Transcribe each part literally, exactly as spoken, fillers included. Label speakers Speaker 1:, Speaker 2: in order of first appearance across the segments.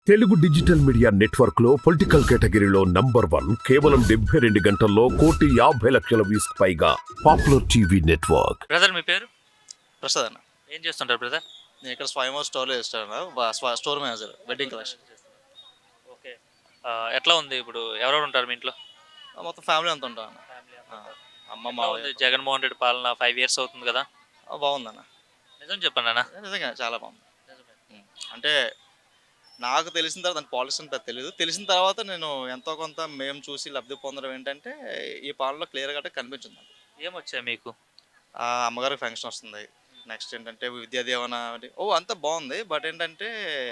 Speaker 1: Telugu digital media network లో political కేటగిరీలో number one కేవలం డెబ్బై రెండు గంటల్లో కోటి యాభై లక్షల వ్యూస్ పైగా పాపులర్ టీవీ నెట్వర్క్.
Speaker 2: బ్రదర్ మీ పేరు?
Speaker 3: ప్రసాద్ అన్న.
Speaker 2: ఏం చేస్తుంటారు బ్రదర్?
Speaker 3: నేను ఇక్కడ స్వయంవర్ స్టోర్లో చేస్తాను, store manager, wedding collection.
Speaker 2: Okay, ఎట్లా ఉంది ఇప్పుడు? ఎవరెవరు ఉంటారు మీ ఇంట్లో?
Speaker 3: మొత్తం ఫ్యామిలీ అంతా ఉంటాం అన్న. అమ్మ మా
Speaker 2: జగన్మోహన్ రెడ్డి పాలన ఫైవ్ ఇయర్స్ అవుతుంది కదా,
Speaker 3: బాగుందన్న.
Speaker 2: నిజం చెప్పండి అన్న.
Speaker 3: నిజంగా చాలా బాగుంది. అంటే నాకు తెలిసిన తర్వాత దాని పాలసీ పెద్ద తెలియదు. తెలిసిన తర్వాత నేను ఎంతో కొంత మేము చూసి లబ్ధి పొందడం ఏంటంటే ఈ పాలనలో క్లియర్ గా కనిపించింది.
Speaker 2: ఏమొచ్చాయి మీకు?
Speaker 3: అమ్మగారికి ఫంక్షన్ వస్తుంది. నెక్స్ట్ ఏంటంటే విద్యా దీవెన, ఓ అంతా బాగుంది. బట్ ఏంటంటే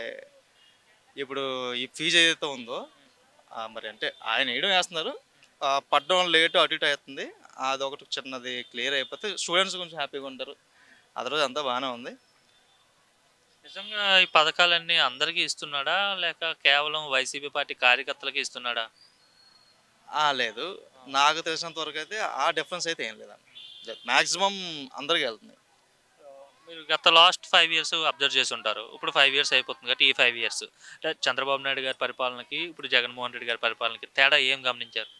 Speaker 3: ఇప్పుడు ఈ ఫీజు ఏదైతే ఉందో మరి అంటే ఆయన వేయడం వేస్తున్నారు, పడ్డం లేటు అటు ఇటు అవుతుంది. అదొకటి చిన్నది క్లియర్ అయిపోతే స్టూడెంట్స్ కొంచెం హ్యాపీగా ఉంటారు. అదరోజు అంతా బాగానే ఉంది.
Speaker 2: నిజంగా ఈ పథకాలన్నీ అందరికీ ఇస్తున్నాడా లేక కేవలం వైసీపీ పార్టీ కార్యకర్తలకి ఇస్తున్నాడా?
Speaker 3: లేదు, నాకు తెలిసినంత వరకు అయితే ఆ డిఫరెన్స్ అయితే ఏం లేదండి. మ్యాక్సిమం అందరికీ వెళ్తుంది.
Speaker 2: మీరు గత లాస్ట్ ఫైవ్ ఇయర్స్ అబ్జర్వ్ చేసి ఉంటారు. ఇప్పుడు ఫైవ్ ఇయర్స్ అయిపోతుంది కాబట్టి ఈ ఫైవ్ ఇయర్స్ అంటే చంద్రబాబు నాయుడు గారి పరిపాలనకి ఇప్పుడు జగన్మోహన్ రెడ్డి గారి పరిపాలనకి తేడా ఏం గమనించారు?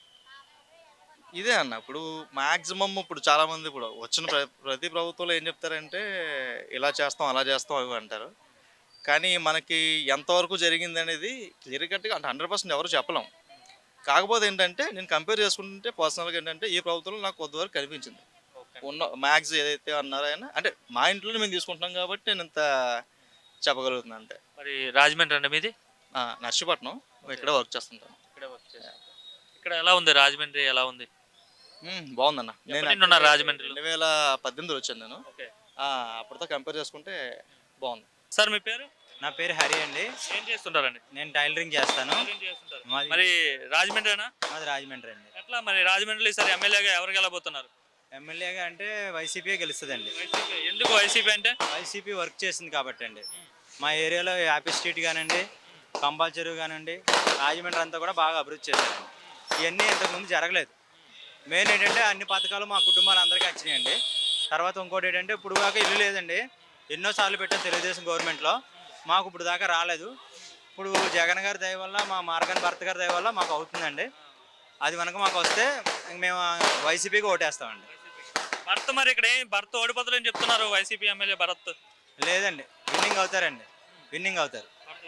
Speaker 3: ఇదే అన్న, ఇప్పుడు మ్యాక్సిమం ఇప్పుడు చాలామంది ఇప్పుడు వచ్చిన ప్ర ప్రతి ప్రభుత్వంలో ఏం చెప్తారంటే ఇలా చేస్తాం అలా చేస్తాం అవి అంటారు. కానీ మనకి ఎంతవరకు జరిగింది అనేది క్లియర్ కట్గా అంటే హండ్రెడ్ పర్సెంట్ ఎవరు చెప్పలేం. కాకపోతే ఏంటంటే నేను కంపేర్ చేసుకుంటే పర్సనల్గా ఏంటంటే ఈ ప్రభుత్వంలో నాకు కొద్దివరకు కనిపించింది. ఉన్న మ్యాక్స్ ఏదైతే అన్నారో ఆయన అంటే మా ఇంట్లోనే మేము తీసుకుంటున్నాం కాబట్టి నేను ఇంత చెప్పగలుగుతున్నాను. అంటే
Speaker 2: మరి రాజమండ్రి అంటే మీది?
Speaker 3: నర్సీపట్నం, ఇక్కడ వర్క్ చేస్తుంటాను.
Speaker 2: ఇక్కడ వర్క్ చేస్తాను. ఇక్కడ ఎలా ఉంది రాజమండ్రి? ఎలా ఉంది?
Speaker 3: బాగుందన్న.
Speaker 2: నేను రాజమండ్రి
Speaker 3: రెండు వేల పద్దెనిమిది వచ్చాను నేను. అప్పటితో కంపేర్ చేసుకుంటే బాగుంది.
Speaker 2: సార్ మీ పేరు?
Speaker 4: నా పేరు హరి అండి.
Speaker 2: ఏం చేస్తుంటారండి?
Speaker 4: నేను టైలరింగ్ చేస్తాను.
Speaker 2: మరి రాజమండ్రినా?
Speaker 4: మాది రాజమండ్రి అండి.
Speaker 2: ఎట్లా మరి రాజమండ్రిలో ఈసారి ఎమ్మెల్యేగా ఎవరు గెలబోతున్నారు?
Speaker 4: ఎమ్మెల్యేగా అంటే వైసీపీ గెలుస్తుందండి.
Speaker 2: ఎందుకు వైసీపీ అంటే?
Speaker 4: వైసీపీ వర్క్ చేసింది కాబట్టి అండి. మా ఏరియాలో యాపీ స్ట్రీట్ కానివ్వండి, కంబాల్ చెరువు కానివ్వండి, రాజమండ్రి అంతా కూడా బాగా అభివృద్ధి చేశారండి. ఇవన్నీ ఇంతకుముందు జరగలేదు. మెయిన్ ఏంటంటే అన్ని పథకాలు మా కుటుంబాలు అందరికీ వచ్చినాయండి. తర్వాత ఇంకోటి ఏంటంటే ఇప్పుడు దాకా ఇల్లు లేదండి. ఎన్నోసార్లు పెట్టాం తెలుగుదేశం గవర్నమెంట్లో, మాకు ఇప్పుడు దాకా రాలేదు. ఇప్పుడు జగన్ గారి దయ వల్ల, మా మార్గన్ భర్త గారి దయ వల్ల మాకు అవుతుందండి. అది కనుక మాకు వస్తే మేము వైసీపీకి ఓటేస్తామండి.
Speaker 2: భర్త మరి ఇక్కడ ఏం భర్త ఓడిపోతారని చెప్తున్నారు వైసీపీ ఎమ్మెల్యే భరత్.
Speaker 4: లేదండి, విన్నింగ్ అవుతారండి. విన్నింగ్ అవుతారు.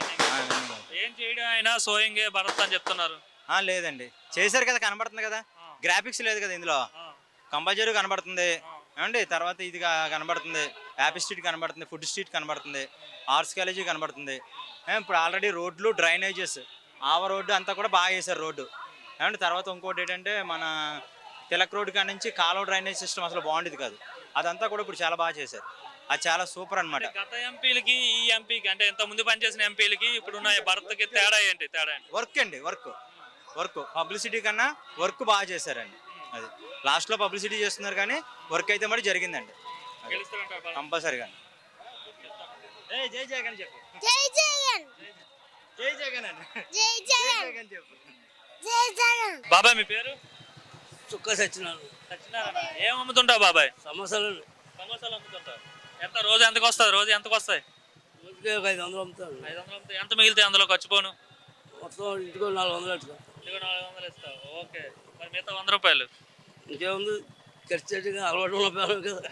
Speaker 2: ఏం చేయడం అయినా సోయింగే భరత్ అని చెప్తున్నారు.
Speaker 4: లేదండి, చేశారు కదా, కనబడుతుంది కదా. గ్రాఫిక్స్ లేదు కదా ఇందులో. కంపల్సరీ కనబడుతుంది ఏమండి. తర్వాత ఇది కనబడుతుంది, యాపీ స్ట్రీట్ కనబడుతుంది, ఫుడ్ స్ట్రీట్ కనబడుతుంది, ఆర్ట్స్ కాలేజీ కనబడుతుంది. ఇప్పుడు ఆల్రెడీ రోడ్లు, డ్రైనేజెస్, ఆవ రోడ్డు అంతా కూడా బాగా చేశారు రోడ్డు ఏమండి. తర్వాత ఇంకోటి ఏంటంటే మన తిలక్ రోడ్డు కాడ నుంచి కాలువ డ్రైనేజ్ సిస్టమ్ అసలు బాగుండేది కాదు, అదంతా కూడా ఇప్పుడు చాలా బాగా చేశారు. అది చాలా సూపర్ అనమాట.
Speaker 2: గత ఎంపీలకి ఈ ఎంపీకి అంటే ఇంత ముందు పనిచేసిన ఎంపీలకి ఇప్పుడున్న భరత్కి తేడా ఏంటి? తేడా ఏంటి?
Speaker 4: వర్క్ అండి, వర్క్ వర్క్ పబ్లిసిటీ కన్నా వర్క్ బాగా చేశారండి. అది లాస్ట్లో పబ్లిసిటీ చేస్తున్నారు కానీ వర్క్ అయితే మరి జరిగిందండి కంపల్సరీగా. జై జగన్ చెప్పు. జై జగన్. జై జగన్ అండి. జై జగన్ చెప్పు.
Speaker 2: జై జగన్. బాబాయ్ మీ పేరు?
Speaker 5: చుక్క సత్యనారాయణ.
Speaker 2: సత్యనారాయణ. ఏం అమ్ముతుంటావు బాబాయ్?
Speaker 5: సమోసాలు.
Speaker 2: సమోసాలు అమ్ముతుంటావు. ఎంత రోజు ఎంతకు వస్తుంది? రోజు ఎంతకు వస్తాయి?
Speaker 5: రోజుకి ఒక ఐదు వందలు అమ్ముతాను.
Speaker 2: ఐదు వందలు అమ్ముతాయి. ఎంత మిగిలితే అందులో ఖర్చుపోను?
Speaker 5: మొత్తం ఇంటికి నాలుగు వందలు ఇస్తాను.
Speaker 2: ఇంటికి నాలుగు వందలు ఇస్తావు. ఓకే, మరి మిగతా వంద రూపాయలు
Speaker 5: ఇంకేముంది ఖర్చు అలవాటు ఉన్న కదా.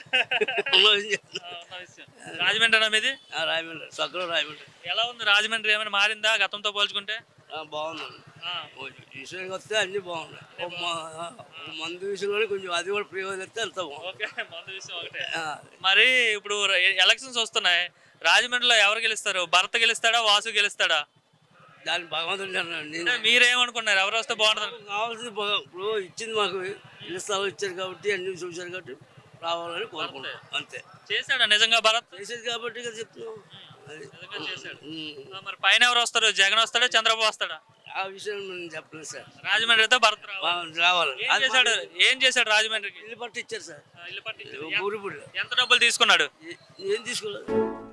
Speaker 2: రాజమండ్రి అన్న మీది?
Speaker 5: రాజమండ్రి, సగ్గులో రాజమండ్రి.
Speaker 2: ఎలా ఉంది రాజమండ్రి? ఏమైనా మారిందా గతంతో పోల్చుకుంటే?
Speaker 5: బాగుందండి. విషయానికి వస్తే అన్ని బాగున్నాయి. మందు విషయంలో కొంచెం అది కూడా ప్రయోజనం వస్తే అంత బాగుంది.
Speaker 2: మందు విషయం ఒకటే. మరి ఇప్పుడు ఎలక్షన్స్ వస్తున్నాయి, రాజమండ్రిలో ఎవరు గెలుస్తారు? భరత్ గెలుస్తాడా, వాసు గెలుస్తాడా?
Speaker 5: దాని భగవంతుడు
Speaker 2: మీరేమనుకున్నారు? ఎవరు వస్తే బాగుంటుంది?
Speaker 5: కావాల్సింది ఇప్పుడు ఇచ్చింది మాకు, ఇల్లు స్థలం ఇచ్చారు కాబట్టి అన్ని చూశారు కాబట్టి రావాలని కోరుకుంటాం అంతే.
Speaker 2: చేశాడా నిజంగా భరత్?
Speaker 5: చేసేది కాబట్టి కదా చెప్తున్నాం.
Speaker 2: మరి పైన ఎవరు వస్తారు? జగన్ వస్తాడా, చంద్రబాబు వస్తాడా?
Speaker 5: ఆ విషయం నేను చెప్పలేదు సార్.
Speaker 2: రాజమండ్రి అయితే భరత్
Speaker 5: రావాలి.
Speaker 2: ఏం చేశాడు? ఏం చేశాడు రాజమండ్రికి?
Speaker 5: ఇల్లు పట్టు ఇచ్చారు సార్.
Speaker 2: ఇల్లు పట్టు.
Speaker 5: ఊరి
Speaker 2: ఎంత డబ్బులు తీసుకున్నాడు?
Speaker 5: ఏం తీసుకోలేదు.